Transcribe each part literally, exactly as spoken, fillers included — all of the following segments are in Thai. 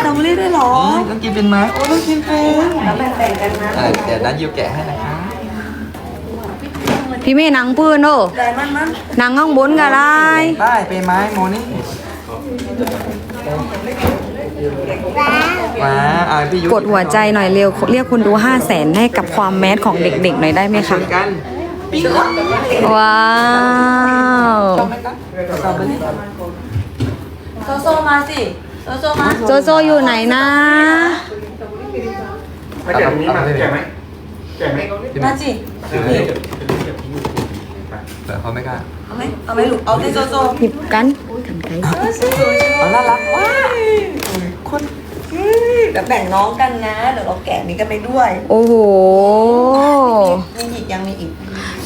ตรอเบอรี่ด้วยเหรอต้องกินเป็นไหมโอ้ต้องกินเป็นแล้วแบ่งๆกันนะเดี๋ยวนั้นยูแกะให้นะคะพี่เมย์นังปืนโอ้ได้มันมันนังข้างบนก็ได้ได้เป็นไหมโมนี่ว้าอ่าพี่ยุกดหัวใจหน่อยเร็วเรียกคนดูห้าแสนให้กับความแมสของเด็กๆหน่อยได้ไหมคะกันปิ้งว้าวชอบไหมคะสตรอเบอรี่โซโซมาสิโซโซมาโจโจอยู่ไหนนะมาแกะตรงนี้มาแกะไหมแกะไหมมาสิแต่เขาไม่กล้าเอาไหมเอาไหมลูกเอาที่โซโซหยิบกันกันไกลเอาน่ารักว้ายคนเดี๋ยวแบ่งน้องกันนะ เดี๋ยวเราแกะนี้กันไปด้วยโอ้โหมีอีกยังมีอีก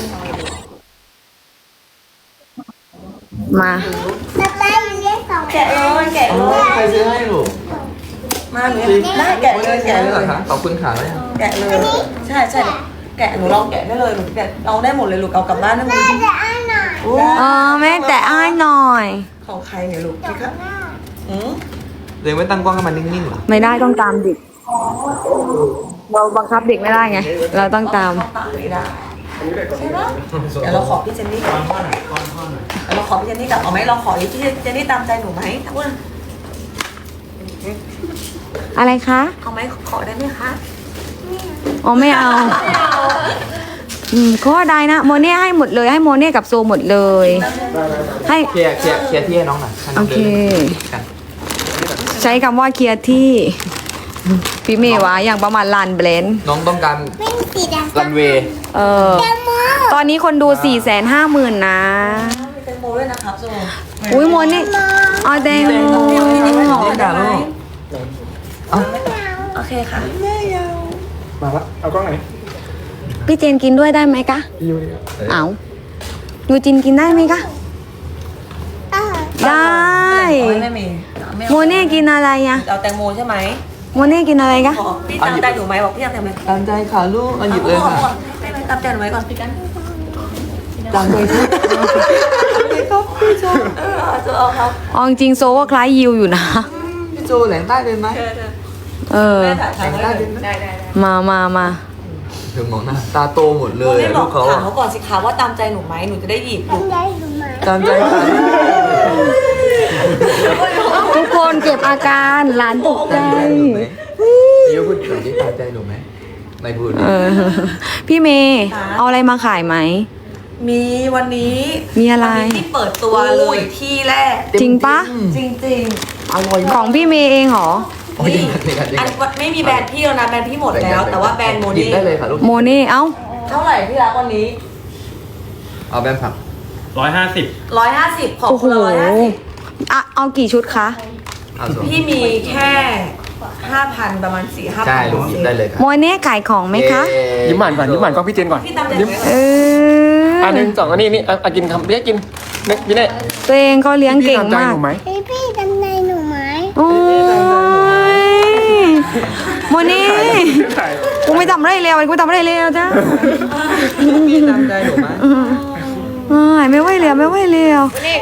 มาแกะเลยแกะเอเลอย ใครซื้อให้ลูกมาหนูได้แกะเลยแกะเลยขอบคุณค่ะแล้วยังแกะเลย ใช่ใช่แกะหนูลองแกะได้เลยหนูแกะเอาได้หมดเลยลูกเอากลับบ้านได้หมดเลยเออแม่แต่อ้ายหน่อยของใครเนี่ยลูกพี่ครับอืมเดี๋ยวไม่ตั้งกล้องให้มันนิ่งๆเหรอไม่ได้ต้องตามเด็กเราบังคับเด็กไม่ได้ไง เราต้องตามเข้ปากไม่ได้ใช่ปะเดี๋ยวเราขอพี่เจนนี่ก่อนเดี๋ยวเราขอพี่เจนนี่กลับเอาไหมเราขอพี่เจนนี่ตามใจหนูไหมทั้งวันอะไรคะเอาไหมขอได้ไหมคะอ๋อไม่เอา อืมก็ได้นะโมเน่ให้หมดเลยให้โมเน่กับโซหมดเลย ให้เคลียร์เคลียร์เคลียร์ที่ให้น้องหน่อยให้น้โอง เคดินกันใช้คำว่าเคลียร์ที่ พี่เมย์วะอย่างประมาณลานเบลนด์น้องต้องการรันเวย์เออ ตอนนี้คนดูสี่แสนห้าหมื่นนะมีแตงโมด้วยนะครับโซอุ้ยโมเน่เอาแตงโมนี่ด่าลูกเอ้าโอเคค่ะมาละเอากล้องไหนพี่เจนกินด้วยได้ไหมคะยูนี่เอายูจินกินได้ไหมคะ ได้ไม่มีโมเน่กินอะไรอะเอาแตงโมใช่ไหมโมเน่กินอะไรคะขอพี่ตามใจหนูไหมบอกพี่ตามใจไหมตามใจค่ะลูกเอาหยิบเลยค่ะไม่ไม่ตามใจหนูไหมก่อนพี่กันตามใจค่ะเออจะเอาครับเอาจริงๆโซก็คล้ายยิวอยู่นะพี่โจแหลงใต้เป็นไหมเออแม่ถ่ายถ่ายได้ได้ได้มามามาเดี๋ยวมองหน้าตาโตหมดเลยไม่บลูอกกเขาถามอะเขาก่อนสิคะว่าตามใจหนูไหมหนูจะได้หยิบลูกตามใจค่ะทุกคนเก็บอาการหลานตกใจพี่ยูพูดถึงที่ตามใจหนูไหมไม่พูดเออ พี่เมย์เอาอะไรมาขายไหมมีวันนี้มีอะไรวันนี้ที่เปิดตัวเลยที่แรกจริงปะจริงอร่อยของพี่เมย์เองเหรอๆนี่อันไม่มีแบรนด์พี่แล้วนะแบรนด์พี่หมดแล้ว แต่ว่าแบรนด์โมหยิบนี่ได้เลยค่ะลูกโมเน่เอ้าเท่าไหร่พี่รักวันนี้เอาแบนผักร้อยห้าสิบร้อยห้าสิบของโอ้โหคุณร้อยห้าสิบอ่ะเอากี่ชุดคะเอาส่วนพี่มีแค่ห้าพันประมาณสี่ห้าพัใช่ลูกหยิบได้เลยค่ะโมเน่ขายของไหมคะยิ้มหวานก่อนยิ้มหวานกล้องพี่เจนก่อนพี่ตามใจยิ้มไหมเอออันหนึ่งสองอันนี้นี่อ่ะอ่ะกินคำเรียกกินเนี่ยพี่เนี่ยตัวเองก็เลี้ยงพี่เก่งตามใจมาหกนูไหมพี่พี่จำในหนูไหมโอ้ยโมเน่กูไม่ทำอะไรแล้วกูไม่ทำอะไรแล้วจ้าพี่ตามใจหนูไหมอ้ายไม่ไหวแล้วไม่ไหวแล้ว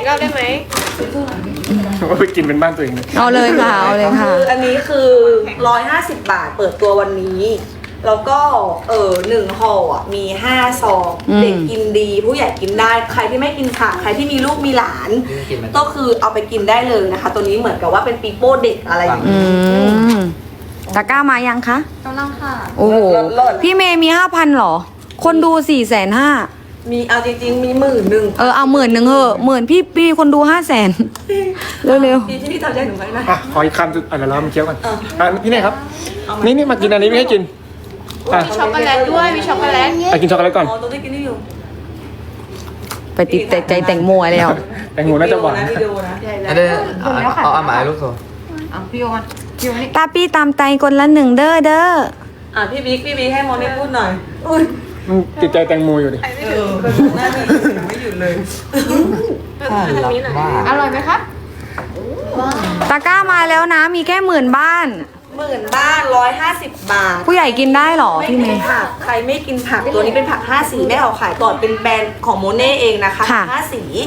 ว่าไปกินเป็นบ้านตัวเองเลยเอาเลยค่ะเอาเลยค่ะคืออันนี้คือร้อยห้าสิบบาทเปิดตัววันนี้ แล้วก็เออหนึ่งห่ออ่ะมีห้าซองอืมเด็กกินดี ผู้ใหญ่กินได้ ใครที่ไม่กินผักใครที่มีลูกมีหลานพี่กินไหมก็คือเอาไปกินได้เลยนะคะ ตัวนี้เหมือนกับว่าเป็นปีโป้เด็กอะไรอย่างอืนี้มตะกร้ามายังคะกำลังค่ะโอ้โห พี่เมย์มีห้าพันหรอ คนดูสี่แสนห้ามีเอาจริงๆมีหมื่นหนึ่งเออเอาหมื่นหนึ่งเหอะหมื่นพี่พี่คนดูห้าแสนเร็วพี่ที่พี่ตามใจหนูไหมนะอ่ะขออีกคำสุดอ่ะเดี๋ยวเรามาเคี้ยวกันเอออ่ะพี่เนี่ยครับเอาไหมนี่นี่มากินอันนี้ไม่ให้กินอ่ะช็อกโกแลตด้วยมีช็อกโกแลตอ่ะกินช็อกโกแลตก่อนอ๋อตัวที่กินนี่อยู่ๆ ไปติดแต่ใจแต่งโมยแล้วแตงโมน่าจะหวานวิดีโอนะอันนี้เอาเอาเอาหมายลูกโซ่ตาพี่ตามใจคนละหนึ่งเด้อเด้ออ่ะพี่บิ๊กพี่บิ๊กให้โมนี่พูดหน่อยอุ้ยมันติดใจแตงโมอยู่ดิเออหน้าดีไม่หยุดเลยถ้ารักบ้าอร่อยไหมครับตะกร้ามาแล้วนะมีแค่หมื่นบ้านหมื่นบ้านร้อยห้าสิบบาทผู้ใหญ่กินได้หรอไม่พี่เมกินย์ผักใครไม่กินผักตัวนี้เป็นผักห้าสีแม่เอาขายก่อนเป็นแบรนด์ของโมเน่เองนะคะค่ะห้าสี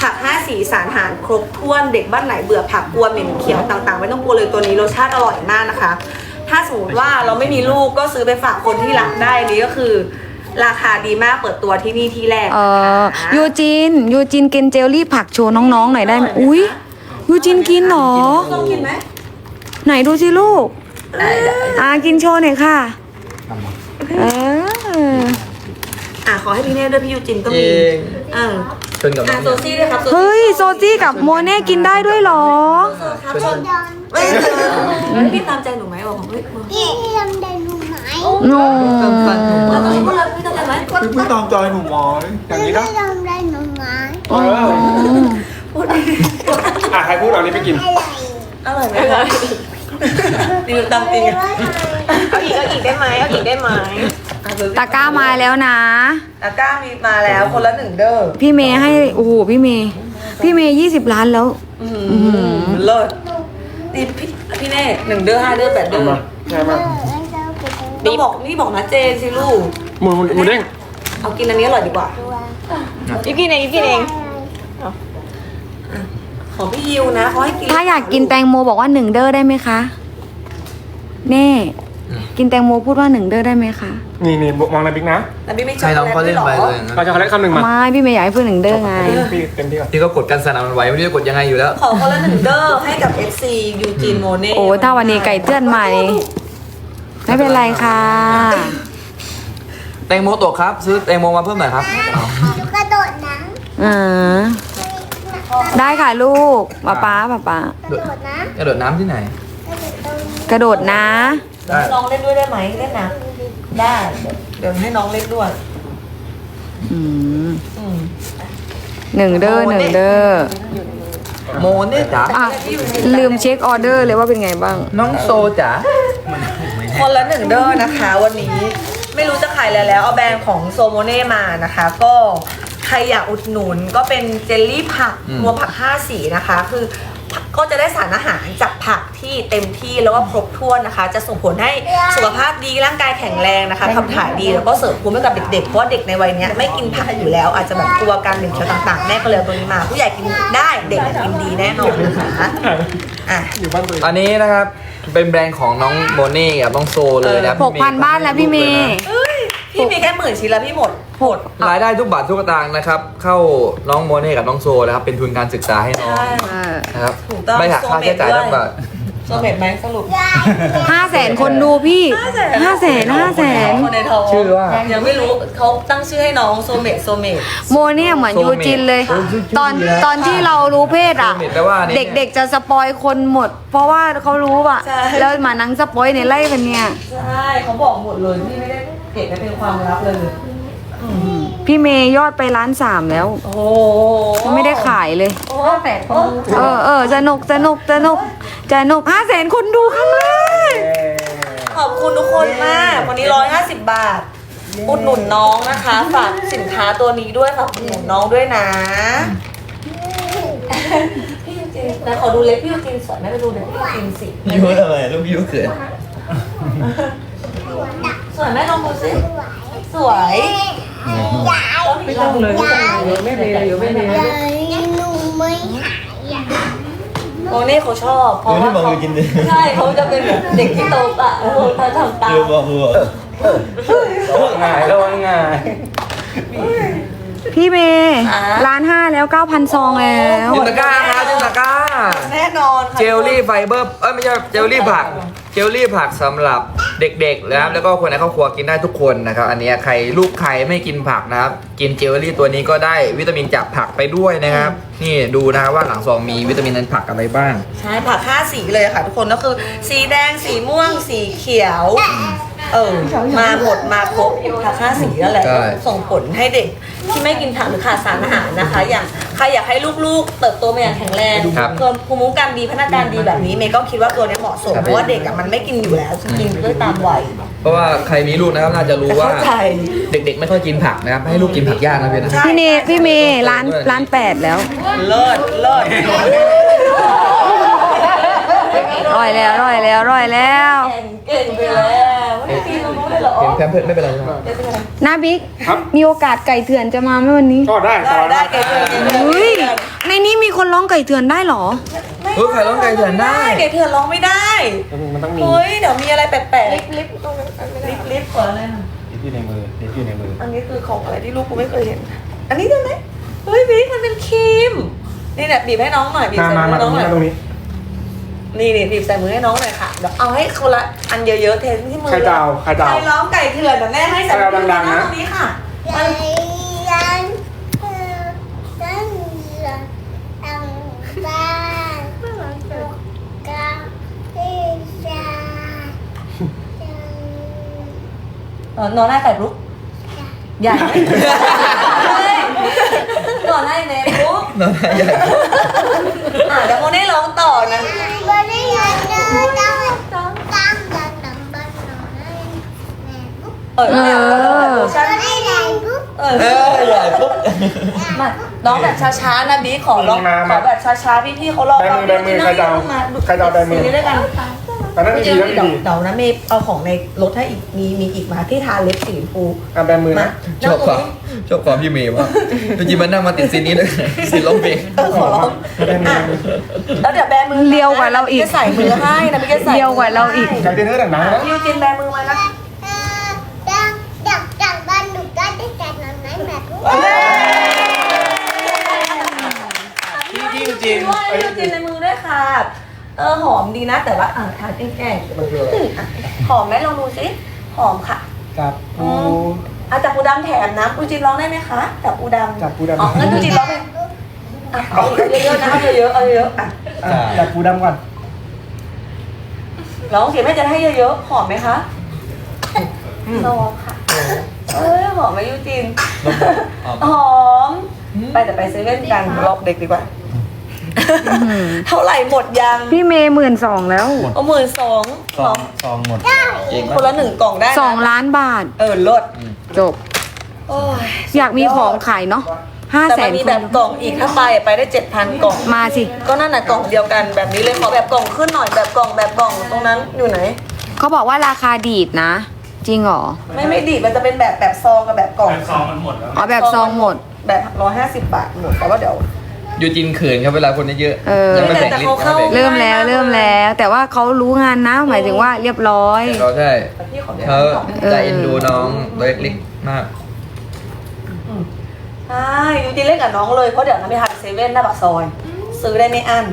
ผักห้าสีสารอาหารครบถ้วนเด็กบ้านไหนเบื่อผักกลัวเหม็นเขียวต่างๆไม่ต้องกลัวเลยตัวนี้รสชาติอร่อยมากนะคะ ถ้าสมมติว่าเราไม่มีลูกก็ซื้อไปฝากคนที่รักได้นี่ก็คือ ราคาดีมากเปิดตัวที่นี่ที่แรกเออนะคะยูจินยูจินกินเจลลี่ผักโชว์น้องๆหน่อยได้ไหมอุ้ยยูจินกินเหรอต้องกินไหมไหนดูสิลูกได้ได้อ่ากินโชว์หน่อยค่ะ เอออ่ะขอให้พี่เน่ด้วยพี่ยูจินก็จมีริงเออชนกับน้อ่ะองโซซี่ด้วยครับโซซี่เฮ้ยโซจี้กับโมเน่กินได้ด้วยเหรอครับชนเอ้ยเออพี่ตามใจหนูไหมบอกผมเฮ้ยพี่ทำได้หนูไหมโนแล้วก็พูดเลยพี่ตามใจไหมพี่พี่ตามใจหนูไหมอย่างนี้นะพี่ทำได้หนูไหมเออพูดอ่ะใครพูดเอานี้ไปกินอะไรอร่อยไหมคะดีตามจริงอะเอาอีกเอาอีกได้ไหมเอาอีกได้ไหมตะกร้ามาแล้วนะตะกร้ามีมาแล้วคนละหนึ่งเด้อพี่เมย์ให้โอ้โหพี่เมย์พี่เมย์ยี่สิบล้านแล้วอืมเลิศนี่พี่พี่เน่หนึ่งเด้อห้าเด้อแปดเด้อใช่ไหมต้องบอกนี่บอกนะเจนสิลูกหมูหมูหมูเด้งเอากินอันนี้อร่อยดีกว่ายูกินเองยูกินเองของพี่ยิวนะเขาให้กินถ้าอยากกินแตงโมบอกว่าหนึ่งเด้อได้ไหมคะเน่กินแตงโมพูดว่าหนึ่งเด้อได้ไหมคะนี่นี่มองอะไรบิ๊กนะแต่พี่ไม่ชอบใช่น้องเขาเล่นไปหรอเลยนะเราจะขอเล็กคำหนึ่งมาไม่พี่เมย์อยากให้พูดหนึ่งเด้อไงพี่เต็มที่ก่อนที่ก็กดกันสนั่นหวันไหวไม่รู้จะกดยังไงอยู่แล้วขอคนละหนึ่งเด้อให้กับ เอฟ ซี ยูจีนโมเน่โอ้ถ้าวันนี้ไก่เตือนมานี่ไม่เป็นไรค่ะแตงโมตกครับ ซื้อแตงโมมาเพิ่มหน่อยครับเอาหนูกระโดดน้อ่าได้ค่ะลูกป๊าป๊าป๊าป๊าำกระโดดน้กระโดดน้ำที่ไหนำกระโดดตรงนี้กระโดดนะได้น้องเล่นด้วยได้ไหมเล่นนะได้ เดี๋ยวให้น้องเล่นด้วยอืมอืมหนึ่งเด้อหนึ่งเด้อโมเนี่ยจ๋าอ่ะลืมเช็คออเดอร์เลยว่าเป็นไงบ้างน้องโซจ๋าคนละหนึ่งเด้อนะคะ วันนี้ไม่รู้จะขายอะไรแล้วเอาแบรนด์ของโซโมเน่มานะคะ ก็ใครอยากอุดหนุนก็เป็นเจลลี่ผักนัวผักห้าสีนะคะ คือก็จะได้สารอาหารจากผักที่เต็มที่แล้วก็ครบถ้วนนะคะ จะส่งผลให้สุขภาพดีร่างกายแข็งแรงนะคะขับถ่ายดีแล้วก็เสริมภูมิให้กับเด็กๆเพราะว่าเด็กในวัยเนี้ยไม่กินผักอยู่แล้ว อาจจะแบบกลัวการเหม็นเขียวต่างๆแม่ก็เลยเอาตัวนี้มา ผู้ใหญ่กินได้เด็กกินดีแน่นอนนะคะอ่ะอยู่บ้านตัวเองอันนี้นะครับเป็นแบรนด์ของน้องโมเน่กับน้องโซเลยนะหกพันบ้านแล้วพี่เมย์เอ้ยพี่มีแค่หมื่นชิ้นแล้วพี่หมดหมดรายได้ทุกบาททุกสตางค์นะครับ เข้าน้องโมเน่กับน้องโซนะครับเป็นทุนการศึกษาให้น้องใช่เออนะครับถูกต้องไม่หักค่าใช้จ่ายทุกบาทโซเมตไหมสรุปห้าแสนคนดูพี่ห้าแสนห้าแสนคนในท้องชื่อว่ายังไม่รู้เขาตั้งชื่อให้น้องโซเมตโซเมตโมเนี่ยเหมือนยูจินเลยโซเมตตอนตอนที่เรารู้เพศอ่ะโซเมตแปลว่านี่เด็กๆจะสปอยคนหมด เพราะว่าเขารู้อ่ะใช่แล้วมานั่งสปอยในไล่กันเนี่ยใช่เขาบอกหมดเลยพี่ไม่ได้เก็บไว้เป็นความลับเลยอืมพี่เมย์ยอดไปล้านสามแล้วโอ้โหยังไม่ได้ขายเลยโอ้แปดคนเออเออสนุกสนุกสนุกสนุกห้าแสนคนดูครั้งแรกขอบคุณทุกคนมาก วันนี้ร้อยห้าสิบบาท อุดหนุนน้องนะคะ ฝากสินค้าตัวนี้ด้วยฝากอุดหนุนน้องด้วยนะ พี่ยูจินแต่ขอดูเล็บพี่ยูจินสวยไหมไปดูเล็บพี่ยูจินสิยูอะไรลูกยูเขินสวยไหมลองดูสิ สวยไม่ต้องเลยไม่เป็นไรเดี๋ยวไม่เป็นไรยังหนูไม่หายอ่ะโมเน่เขาชอบเพราะว่าเขาใช่เขาจะเป็นแบบเด็กที่โตอ่ะเขาทำตามง่ายแล้วง่ายพี่เมย์ล้านห้าแล้วเก้าพันซองแล้วจินตะกร้าครับจินตะกร้าแน่นอนค่ะเจลลี่ไฟเบอร์เอ้ยไม่ใช่เจลลี่ผักเจลลี่ผักสำหรับเด็กๆนะครับแล้วก็คนในครอบครัวกินได้ทุกคนนะครับอันนี้ใครลูกใครไม่กินผักนะครับกินเจลลี่ตัวนี้ก็ได้วิตามินจากผักไปด้วยนะครับนี่ดูนะครับว่าหลังซองมีวิตามินในผักอะไรบ้างใช่ผักห้าสีเลยค่ะทุกคนก็คือสีแดงสีม่วงสีเขียว เออมาหมดมาครบผักห้าสีนั่นแหละใช่ส่งผลให้เด็กที่ไม่กินผักหรือขาดสารอาหารนะคะ อย่างใครอยากให้ลูกๆ เติบโตมาอย่างแข็งแรงครับเพิ่มภูมิคุ้มกันดีพัฒนาการดีแบบนี้เมย์ก็คิดว่าตัวนี้เหมาะสมครับเพราะว่าเด็กอะมันไม่กินอยู่แล้วจะกินด้วยตามวัยเพราะว่าใครมีลูกนะครับน่าจะรู้ว่าเข้าใจเด็กๆไม่ค่อยกินผักนะครับให้ลูกกินผักยากนะเพื่อนนะพี่เนพี่เมย์ล้านล้านแปดแล้วเลิศเลิศร่อยแล้วร่อยแล้วร่อยแล้วเก่งเก่งไปแล้วไม่ได้กินตรงนู้นเลยเหรอเห็นแพมเพิร์ดไม่เป็นไรใช่ไหมไม่เป็นไรนาบิ๊กครับมีโอกาสไก่เถื่อนจะมาไหมวันนี้ก็ได้สได้บายได้มากเก่งเลยเก่งเลยเฮ้ยในนี้มีคนร้องไก่เถื่อนได้เหรอเฮ้ยใครร้องไก่เถื่อนได้เก่งเถื่อนร้องไม่ได้มันต้องมีเฮ้ยเดี๋ยวมีอะไรแปลกๆลิฟต์ลิฟต์ตรงนั้นไม่ได้ลิฟต์ลิฟต์ก่อนอะไรนะนี่ที่ในมือนี่ที่ในมืออันนี้คือของอะไรที่ลูกกูไม่เคยเห็น อันนี้ได้ไหมเฮ้ยบิ๊กมันเป็นครีมนี่เนี่ยบีบให้น้องหน่อยบีบมาใส่มามืมาอตน้รองงหนี้น่อยมาตรงนี้นี่นี่บีบใส่มือให้น้องหน่อยค่ะเดี๋ยวเอาให้คนละอันเยอะๆเทที่มือใครจะเอาใครจะเอาใครร้องไก่เถื่อนเดี๋ยวแม่ให้ใส่ใครเอาดังๆนะตรงนี้ค่ะใจยันเธอตั้งเรือตั้งบ้านตกกาที่ชาเออนอนหน้าไก่ลุกใหญ่เฮ้ยนอนหน้าเนลุกน้องใหญ่อ่ะเดี๋ยวโมเน่ร้องต่อนะบ่ได้ยันเธอตั้งตั้งตั้งตั้งตั้งบ้านนอนให้แม่ปุ๊บเออเดี๋ยวเดี๋ยวเวอร์ชันบ่ได้ยันปุ๊บเออเออใหญ่ปุ๊บมาร้องแบบช้าๆนะบีขอร้องมาขมาอแบบช้าๆพี่ๆเขารอแบมือแบมือใครจะเอาใครจะเอาแบมือซีรีส์ด้วยกันตอนนั้นเดี๋ดียวแล้วเดี๋ยวดีเดี๋ยวนะเมย์เอาของในรถให้อีกมีมีอีกมาที่ทาเล็บสีชมพูอ่ะแบมือมานะชอบความชอบความพี่เมย์ว่ากจริงๆมันนั่งมาติดซีนนี้เลยซีนร้องเพลงเออขอร้องอ่ะแล้วเดี๋ยวแบมือเลียวกว่าเราอีกจะใส่มือให้นะพี่จะใส่เลียวกว่าเราอีกใจเต้นเท่าดังนั้นนะยูจินแบมือมานะเออดังดังดังบ้านหนูก็ได้แต่นอนไหนแม่ปุ๊บพี่พี่จริงด้วยยูจินในมือด้วยค่ะเออหอมดีนะแต่ว่าอ่ะทาแกล้งๆมันคืออะไรหอมไหมลองดูสิหอมค่ะจับปูอาจับปูดำแถมนะปูจินร้องได้ไหมคะจับปูดำจับปูดำอ๋องั้นปูจินร้องไปอ่ะเอาเยอะๆนะเอาเยอะๆเอาเยอะๆอ่ะอ่ะจับปูดำก่อนร้องเสียงแม่จะให้เยอะๆหอมไหมคะลองค่ะเอ้ยหอมไหมยูจินหอมไปแต่ไปเซเว่นกันรอบเด็กดีกว่า เท่าไหร่หมดยังพี่เมย์หมื่นสองแล้วเอาหมื่นสองซองซองหมดเก่งคมากนละหนึ่งกล่องได้นะสองล้านบาทเออลดจบโอ้ยอยากมีของขายเนาะห้าแต่แสมัน นมีแบบกล่องอีกถ้าไปไปได้เจ็ดพันกล่องมาสิก็นั่นน่ะกล่องเดียวกันแบบนี้เลยขอแบบกล่องขึ้นหน่อยแบบกล่องแบบกล่องตรงนั้นอยู่ไหนเขาบอกว่าราคาดีดนะ จริงเหรอไม่ไม่ดีดมันจะเป็นแบบแบบซองกับแบบกล่องอ๋อแบบซองหมดแบบร้อยห้าสิบบาทหมดแต่ว่าเดี๋ยวยูจินเขินครับเวลาคนเยอะเออยังไม่แบ่งแต่ลิ้นเขาเข้าเริ่มแล้วเริ่มแล้ว แต่ว่าเขารู้งานนะ หมายถึงว่าเรียบร้อยเราใช่แต่พี่ขอเดี๋ยวเขากล่องใจเอ็นดูน้องตัวเล็กๆมากใช่ยูจีเล่นกับน้องเลยเพราะเดี๋ยวน้ำไปทานเซเว่นหน้าปากซอย ซื้อได้ไม่อั้น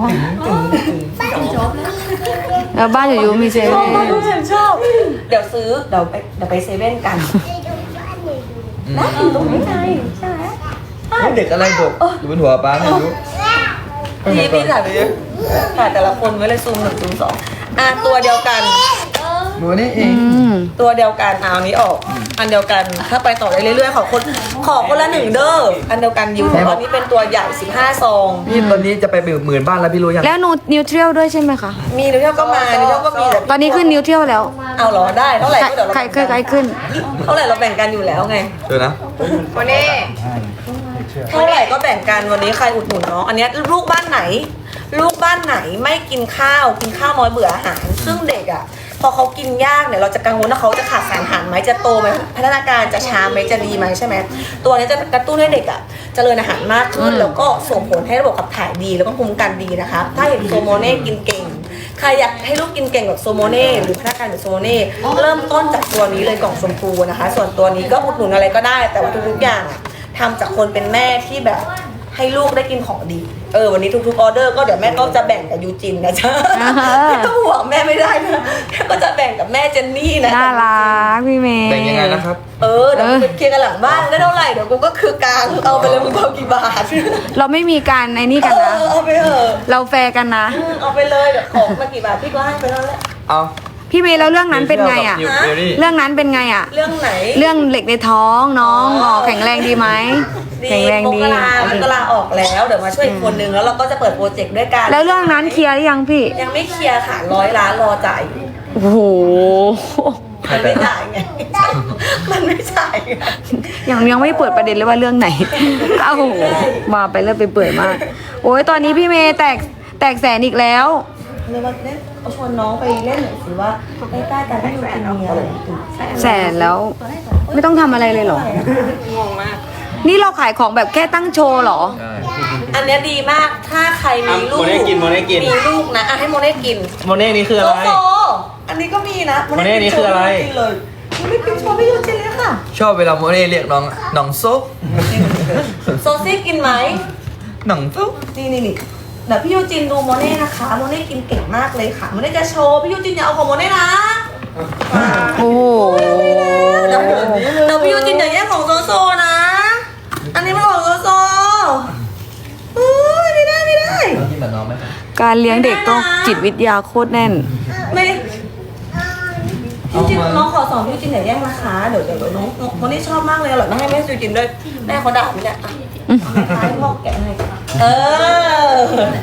แล้วบ้านอยู่ๆมีเซชอบเว่มากนลูกฉันชอบ เดี๋ยวซื้อเดี๋ยวไปเดี๋ยวไปเซเว่นกันไปดูบ้านหนูดูอืมนะอยู่ตรงนี้ไงใช่ไหมเฮ้ยเด็กอะไรบกอยู่บนหัวป้าไม่รู้พี่พี่ถ่ายไปเยอะถ่ายแต่ละคนไว้เลยซูมหนึ่งซูมสองอ่ะตัวเดียวกันหนูนี่เออืงมตัวเดียวกันเอาอันนี้ออก อันเดียวกันถ้าไปต่อได้เรื่อยๆขอคนขอคนละหนึ่งเด้ออันเดียวกันยูแต่ว่านี่เป็นตัวใหญ่สิบห้าซองพี่ตอนนี้จะไปหมื่นบ้านแล้วพี่รู้ยังแล้วนูนิวเทรียลด้วยใช่ไหมคะมีนิวเทียลก็มานิวเทียลก็มีแต่ตอนนี้ขึ้นนิวเทรียลแล้วเอาเหรอได้เท่าไหร่ใครก็เดี๋ยวเราใครแบ่งใครกันขึ้นเท่าไหร่เราแบ่งกันอยู่แล้วไงเดี๋ยวนะวันนี้เท่าไหร่ก็แบ่งกันวันนี้ใครอุดหนุนเนาะอันเนี้ยลูกบ้านไหน ลูกบ้านไหนไม่กินข้าวกินข้าวน้อยเบื่ออาหาร ซึ่งเด็กอ่ะพอเขากินยากเนี่ยเราจะกังวลว่าเขาจะขาดสารอาหารไหมจะโตไหมพัฒนาการจะช้าไหมจะดีไหมใช่ไหมตัวเนี้ยจะกระตุ้นให้เด็กอ่ะเจริญอาหารมากขึ้น แล้วก็ส่งผลให้ระบบขับถ่ายดีแล้วก็ภูมิคุ้มกันดีนะคะถ้าเห็นโซโมเน่กินเก่งใครอยากให้ลูกกินเก่งแบบโซโมเน่หรือพัฒนาการแบบโซโมเน่เริ่มต้นจากตัวนี้เลยกล่องชมพูนะคะ ส่วนตัวนี้ก็อุดหนุนอะไรก็ได้ แต่ว่าทุกๆอย่างอะทำจากคนเป็นแม่ที่แบบให้ลูกได้กินของดี เออวันนี้ทุกๆออเดอร์ก็เดี๋ยวแม่ก็จะแบ่งกับยูจินนะจ๊ะอ่าฮะไม่ต้องห่วงแม่ไม่ได้นะแม่ก็จะแบ่งกับแม่เจนนี่นะน่ารักพี่เมย์แบ่งยังไงนะครับเออเดี๋ยวไปเคลียร์กันหลังบ้านได้เท่าไหร่เดี๋ยวกูก็คือกลางเอาไปเลยมึงเอากี่บาทเราไม่มีการในนี่เอกันนะอเอาไปเถอะเราแฟร์กันนะอืมเอาไปเลยเดี๋ยวของมากี่บาทพี่ก็ให้ไปแล้วแหละเอาพี่เมย์แล้วเรื่องนั้นเป็นไงอ่ะนิวเทรี่เรื่องนั้นเป็นไงอ่ะเรื่องไหนเรื่องเหล็กในท้องน้องอ๋ออ๋อแข็งแรงดีไหม แข็งแรงดีมกรามันก็ลาออกแล้วเดี๋ยวมาช่วยอีกคนนึงแล้วเราก็จะเปิดโปรเจกต์ด้วยกันแล้วเรื่องนั้นเคลียร์หรือยังพี่ยังไม่เคลียร์ค่ะร้อยล้านรอจ่ายอยู่โอ้โหมันไม่จ่ายไง มันไม่จ่ายไงยังยังไม่เปิดประเด็นเลยว่าเรื่องไหน เอ้ามาไปเรื่อยไปเปื่อยมาก โอ้ยตอนนี้พี่เมย์แตกแตกแสนอีกแล้วเรียกว่าเล่นเอาชวนน้องไปเล่นหน่อยสิว่าใกล้ๆกันที่ยูกินมีอะไรตื่นแสนแล้ว ไม่ต้องทำอะไรเลยเหรองงมากนี่เราขายของแบบแค่ตั้งโชว์เหรอใช่อันเนี้ยดีมากถ้าใครมีลูกโมเน่กินโมเน่กินมีลูกนะอ่ะให้โมเน่กินโมเน่นี่คือโซอะไรโซอันนี้ก็มีนะโมเน่นี่คืออะไรกินเลยโมเน่กินโชว์ไม่ยูกินเลยค่ะชอบเวลาโมเน่เรียกน้องน้องซุปโซซี่กินไหมน้องซุปนี่นี่นี่เดี๋ยวพี่ยูจินดูโมเน่นะคะ โมเน่กินเก่งมากเลยค่ะ โมเน่จะโชว์ พี่ยูจินอย่าเอาของโมเน่นะโอ้โหเดี๋ยวเดี๋ยวพี่ยูจินอย่าแย่งของโซโซนะ อันนี้มันของโซโซอุ้ยไม่ได้ไม่ได้น้องกินแบบน้องไหมครับการเลี้ยงเด็กต้องจิตวิทยาโคตรแน่นไม่พี่ยูจินน้องขอสอนพี่ยูจินอย่าแย่งนะคะ เดี๋ยวเดี๋ยวเดี๋ยวน้องโมเน่ชอบมากเลยอร่อยมากให้แม่ยูจินด้วยแม่เขาด่าพี่เนี่ยอ่ะให้พ่อแกะให้เออ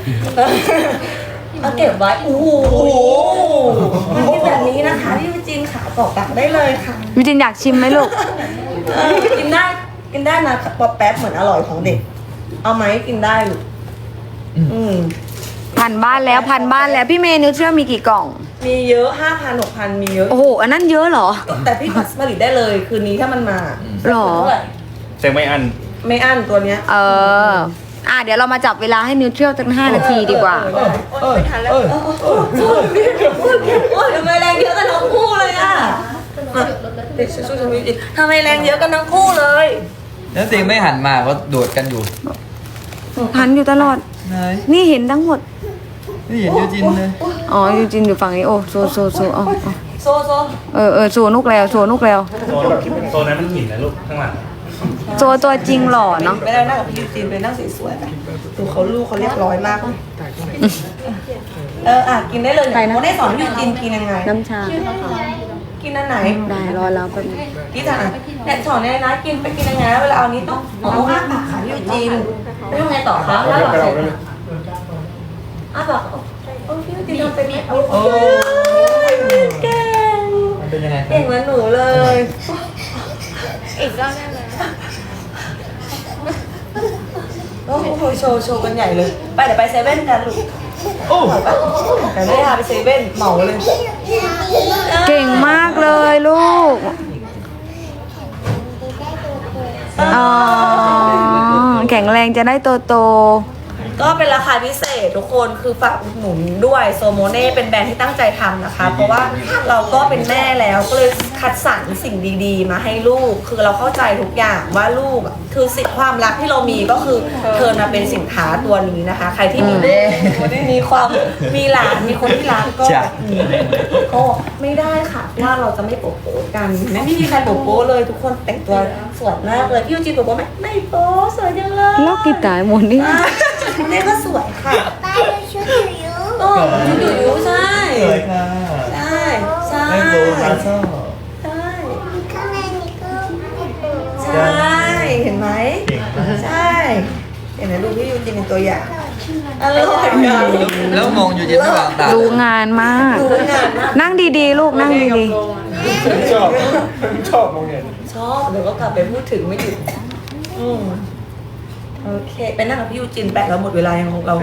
เอาเก็บไว้โอ้โหมันเป็นแบบนี้นะคะพี่ยูจินขาตอกตักได้เลยค่ะวิจินอยากชิมไหมลูกเออกินได้กินได้นะป๊อปแป๊บเหมือนอร่อยของเด็ก เอาไหมกินได้ลูกอืมพันบ้านแล้วพันบ้านแล้วพี่เมย์นิวเชื่อมีกี่กล่องมีเยอะห้าพันหกพันมีเยอะโอ้โห อันนั้นเยอะเหรอแต่พี่ผัดผลิตได้เลย คืนนี้ถ้ามันมาหรอเท่าไหร่แต่ไม่อันไม่อั้นตัวเนี้ยเออ อ่ะเดี๋ยวเรามาจับเวลาให้นิวเชื่อตั้งห้านาทีดีกว่าเออเออไม่ทันแล้วโอ้ยทำไมแรงเยอะกันทั้งคู่เลยอ่ะเด็กสู้ๆทำไมทำไมแรงเยอะกันทั้งคู่เลยแล้วจริงไม่หันมาก็โดดกันอยู่พันอยู่ตลอดไหนนี่เห็นทั้งหมดไม่เห็นยูจินเลยอ๋อยูจินอยู่ฝั่งนี้ โอ้โซโซโซเอาเอาโซโซเออเออโซนุกแล้วโซนุกแล้วโซนแบบโซนนั้นมันหินนะลูกข้างหลังโซตัวจริงหล่อเนาะไม่ได้นั่งกับพี่ยูจีนไปนั่งสวยๆไปดูเขาลูกเขาเรียบร้อยมากเลยเอออ่ะกินได้เลยเนี่ยโมได้สอนพี่ยูจีนกินยังไงน้ำชากินอันไหนได้รอแล้วแป๊บนึงพี่จ๋าเนี่ยสอนเนี่ยนะกินไปกินยังไงนะเวลาเอานี้ต้องเอาอ้าปากค่ะพี่ยูจีนแล้วยังไงต่อคะแล้วหลังเสร็จอ้าปากโอ้พี่ยูจีนทำเป็นไหมโอ้ยเก่งมันเป็นยังไงเก่งเหมือนหนูเลยอีกรอบได้ไหมโอ้โหโชว์โชว์กันใหญ่เลย ไปเดี๋ยวไปเซเว่นกันลูกโอ้ไปแต่ไม่ได้พาไปเซเว่นเหมาเลยเก่งมากเลยลูก อ๋อ แข็งแรงจะได้โตโตก็เป็นราคาพิเศษทุกคนคือฝากอุดหนุนด้วยโซโมเน่เป็นแบรนด์ที่ตั้งใจทำนะคะ เพราะว่าเราก็เป็นแม่แล้วก็เลยคัดสรรสิ่งดีๆ มาให้ลูก คือเราเข้าใจทุกอย่างว่าลูกอะคือสิ่งความรักที่เรามีก็คือเทิร์นมาเป็นสินค้าตัวนี้นะคะ ใครที่มีลูกมีความมีหลานมีคนที่รักก็อืมก็ไม่ได้ค่ะว่าเราจะไม่โป๊ะโป๊ะกันไม่มีใครโป๊ะโป๊ะเลยทุกคนแต่งตัวสวยมากเลยพี่ยูจีโป๊ะโป๊ะไหมไม่โป๊ะสวยจังเลยๆแล้วกีตาร์หมดนี่คุณแม่ก็สวยค่ะป้าดูชุดอยู่อยู่โอ้ชุดอยู่อยู่ใช่สวยค่ะใช่ใช่ไม่โดนมาชอบใช่ข้างในนี่ก็ไม่ดูใช่เห็นไหมใช่เห็นไหมดูพี่ยูจินเป็นตัวอย่างอร่อยอ่ะแล้วมองยูจินระหว่างตาดูงานมากดูงานมากนั่งดีๆ ลูกนั่งดีชอบชอบโรงเรียนชอบเดี๋ยวก็กลับไปพูดถึงไม่หยุดอืมโอเคไปนั่งกับพี่ยูจินแปะเราหมดเวลายังของเรา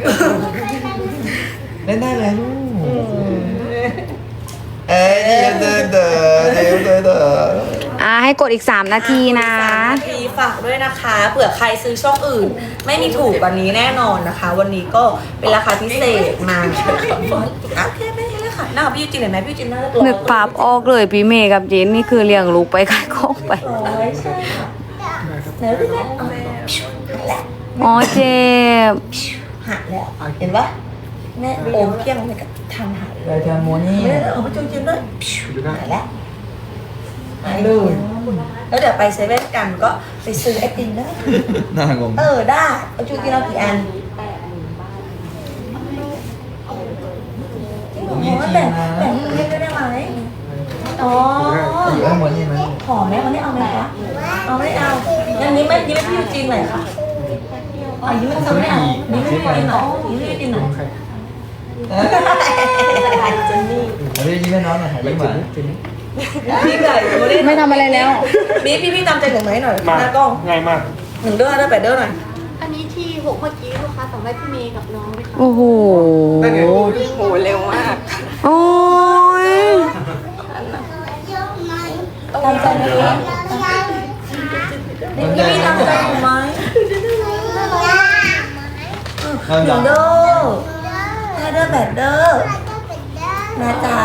เล่นได้เลยลูกอืมเอ้ยเดินเดินเดินเดินเดินๆ อ่าให้กดอีก สาม นาทีนะสามนาทีฝากด้วยนะคะเผื่อใครซื้อช่องอื่น ไม่มีถูกกว่านี้แน่นอนนะคะ วันนี้ก็เป็นราคาพิเศษมาโอเคไม่เป็นไรค่ะหน้ากับพี่ยูจินเห็นไหมพี่ยูจินน่าจะตัวนึกภาพออกเลยพี่เมย์กับเจนนี่คือเลี้ยงลูกไปขายของไปร้อยใช่ค่ะไหนพี่แม่เอาแล้วอ๋อเจ็บหักแล้วเห็นปะแม่โอมเพียงเลยกับทำหายรายการโมนี่ไม่ได้เอาไปจุนจินด้วยหายแล้วหายเลยแล้วเดี๋ยวไปเซเว่นกันก็ไปซื้อไอติมได้น่างงเออได้เอาจุนจินเอากี่อันโอ้แบ่งแบ่งเพื่อนได้ไหมอ๋ออยู่ข้างบนนี่ไหมหอมไหมวันนี้เอาไหมคะเอาไม่เอางั้นนี้ไม่ยิ้มให้พี่ยูจีนหน่อยค่ะอ๋อยิ้มให้เขาไม่เอายิ้มให้พี่ยูจีนหน่อยยิ้มให้พี่ยูจีนหน่อยเจนนี่เฮ้ยยิ้มให้น้องหน่อยยิ้มหวานพี่ไก่โมเดลไม่ทำอะไรแล้วพี่พี่พี่ตามใจหนึ่งไหมหน่อยมาหน้ากล้องง่ายมากหนึ่งเด้อได้แปดเด้อหน่อยอันนี้ที่หกเมื่อกี้ลูกค้าสั่งได้พี่เมย์กับน้องเลยค่ะโอ้โหโหเร็วมากโอ้ยตามใจไหมคะนี่พี่ตามใจหนูไหมหนึ่งเด้อห้าเด้อแปดเด้อนะจ๊ะ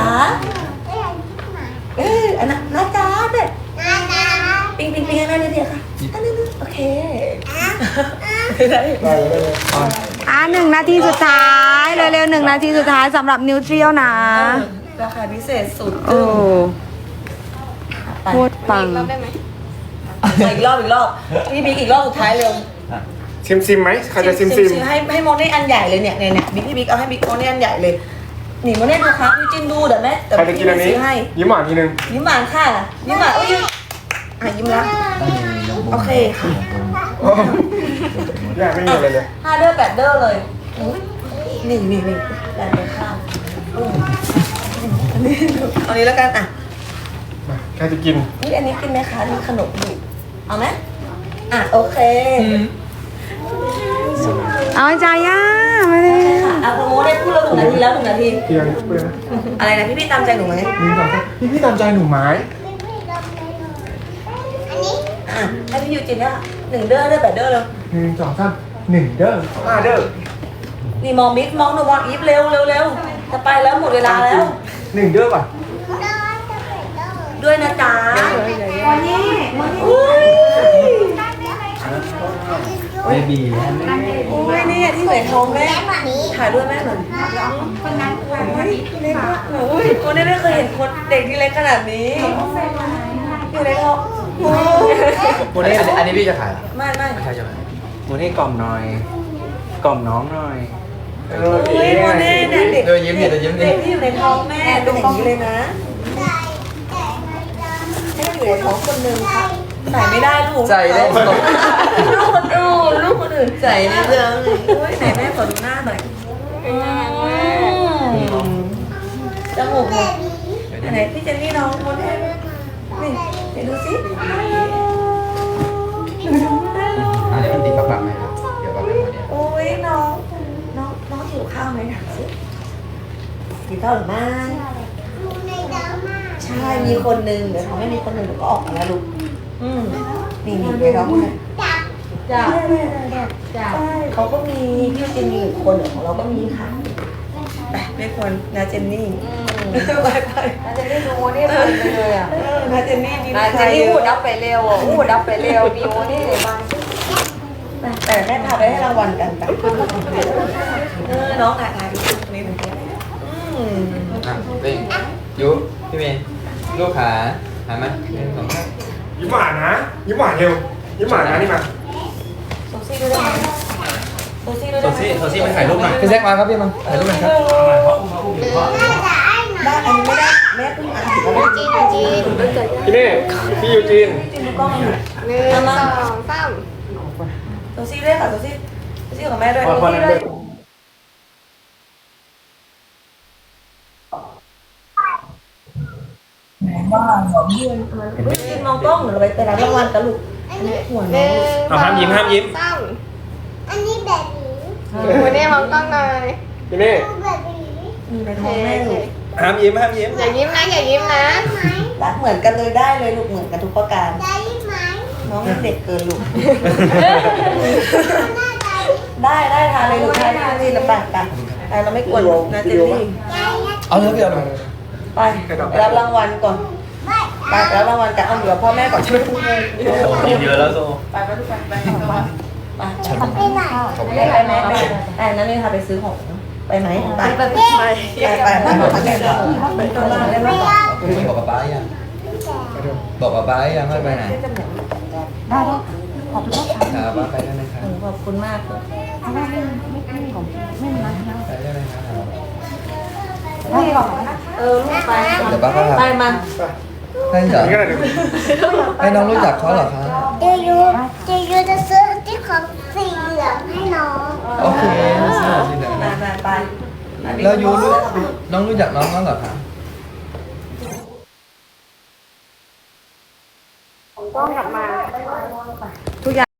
เอออันนั้นนะจ๊ะเด็ดปิงปิงปิงอันนั้นเดียวค่ะอันนั้นโอเคได้อ่ะหนึ่งนาทีสุดท้ายเร็วๆหนึ่งนาทีสุดท้ายสำหรับนิวเทรียลนะราคาพิเศษสุดโอ้โคตรปังรับได้ไหมอีกรอบอีกรอบพี่บิ๊กอีกรอบสุดท้ายเร็วซิมซิมไหมใครจะซิมซิมให้ให้โมเน่อันใหญ่เลยเนี่ยเนี่ยเนี่ยบิ๊กพี่บิ๊กเอาให้บิ๊กโมเน่อันใหญ่เลยหนีโมเน่ดูครับพี่จิ้นดูเดี๋ยวแม่เดี๋ยวใครจะกินอันนี้ซื้อให้ยิ้มหวานทีนึงยิ้มหวานค่ะยิ้มหวานอุ้ยอ่ะยิ้มละโอเคค่ะอยากไม่มีอะไรเลยห้าเด้อแปดเด้อเลยอุ๊ยนี่นี่นี่แปดเลยข้าวอืมอันนี้เอานี้แล้วกันอ่ะมาใครจะกินนี่อันนี้กินไหมคะนี่ขนมอยู่เอาไหมอ่ะโอเคเอาใจย่าไม่ได้ค่ะอ่ะคุณโมได้พูดแล้วหนึ่งนาทีแล้วหนึ่งนาทีเพียงเพื่อนอะไรนะพี่พี่ตามใจหนูไหมหนึ่งสองสามพี่พี่ตามใจหนูไหมอ่ะให้พี่ยูจินเนี่ยหนึ่งเด้อเด้อแปดเด้อเลยหนึ่งสองสามหนึ่งเด้อห้าเด้อนี่มองบิ๊กมองหนูมองอีฟเร็วเร็วเร็วจะไปแล้วหมดเวลาแล้วหนึ่งเด้อป่ะด้วยนะจ๊ะวันนี้อุ้ยเบบีอุ้ยนี่ที่เหมือนท้องแม่ถ่ายด้วยแม่หน่อยคนนั้นเล็กมากอุ้ยคนนี้ไม่เคยเห็นคนเด็กที่เล็กขนาดนี้อยู่ในท้องโอ้ยโมเน่อันนี้อันนี้พี่จะขายเหรอไม่ไม่ไม่ใช่ใช่ไหมโมเน่กล่อมหน่อย กล่อมน้องหน่อยเออเฮ้ยโมเน่เนี่ยเด็กเดี๋ยวยิ้มดิเดี๋ยวยิ้มดิเด็กที่อยู่ในท้องแม่เป็นอย่างนี้เลยนะให้อยู่ในท้องคนหนึ่งค่ะใส่ไม่ได้ลูกใจได้ลูกคนอื่นลูกคนอื่นใส่ในเรื่องอุ้ยไหนแม่ขอดูหน้าหน่อยอืมจมูกหนูไหนพี่เจนนี่น้องโมเน่นี่เดี๋ยวดูสิอันนี้มันติดกับปากไหมครับเดี๋ยวปากเป็นโมเน่โอ้ยน้องน้องน้องหิวข้าวไหมถามสิหิวข้าวหรือไม่ใช่มีคนหนึ่งเดี๋ยวทำให้มีคนหนึ่งเดี๋ยวก็ออกมาแล้วลูกอืมนี่นี่ไปร้องเลยจ้าจ้าเขาก็มีพี่เจนนี่อีกคนเดี๋ยวของเราก็มีค่ะไปไม่ควรนาเจนนี่ไปไปนาเจนนี่ดูโมนี่เพลินไปเลยอ่ะเออนาเจนนี่ดีนาเจนนี่พูดดับไปเร็วอ่ะพูดดับไปเร็วมีโมนี่เลยบ้างแต่แม่พาไปให้รางวัลกันไปเออน้องถ่ายถ่ายนิดนึงอืมอ่ะนี่ยูพี่เมย์ลูกขาหาไหมหนึ่งสองสามยิ้มหวานนะ ยิ้มหวานเร็ว ยิ้มหวานนะนี่มาโซซี่ด้วยได้ไหมโซซี่ด้วยโซได้ไหมซี่โซซี่มาถ่ายรูปหน่อยพี่แซคมาครับพี่มาถ่ายรูปหน่อยครับได้อันนี้ไม่ได้แม่เพิ่งอ่านถึงแล้วจีนจีนพี่เน่พี่ยูจีนจริงดูกล้องอยู่หนึ่งสองสามโซซี่ด้วยค่ะโซซี่โซซี่กับแม่ด้วยพอพอนั้นเลยจริงมองกล้องหรือไปไปรับรางวัลกันลูกหัวหน้นึ่องงห้ามยิ้มห้ามยิ้มสามอันนี้แบบนี้โมเน่มองกล้องหน่อยพี่เน่แบบนี้อยู่ในท้องแม่ลูกห้ามยิ้มห้ามยิ้มอย่ายิ้มนะอย่ายิ้มนะรักเหมือนกันเลยได้เลยลูกเหมือนกันทุกประการได้ไหมน้องเด็กเกินลูกหน้าได้ได้ได้ทานเลยลูกทานทานนี่ลำบากกันแต่เราไม่กวนนะเจนนี่ได้นะเอาเถอะพี่เอาหน่อยไปรับรางวัลก่อนไปรับรางวัลกันเอาเหลือพ่อแม่ก่อนใช่ไหมทุกคนกินเยอะแล้วโซไปไปทุกคนไปไปไปไปไหนไปไปแม่ไปไปนั่นนี่ค่ะไปซื้อของไปไหมไปไปไปไปไปไปไปไปไปตลาดได้ไหมบอกป๊าป๊ายังบอกป๊าป๊ายังว่าไปไหนได้ได้ขอบคุณครับป๊าไปได้ไหมครับขอบคุณมากเลยไปได้ไหมครับเออลูกไปเดี๋ยวป๊าก็พาไปมาให้เหรอนี่ก็ได้เดี๋ยวให้น้องรู้จักเขาเหรอครับเจยูเจยูจะซื้อที่ของสีเหลืองให้น้องโอเคสวัสดีนะไปไปไปแล้วยูรู้น้องรู้จักน้องแล้วเหรอครับกล้องกลับมา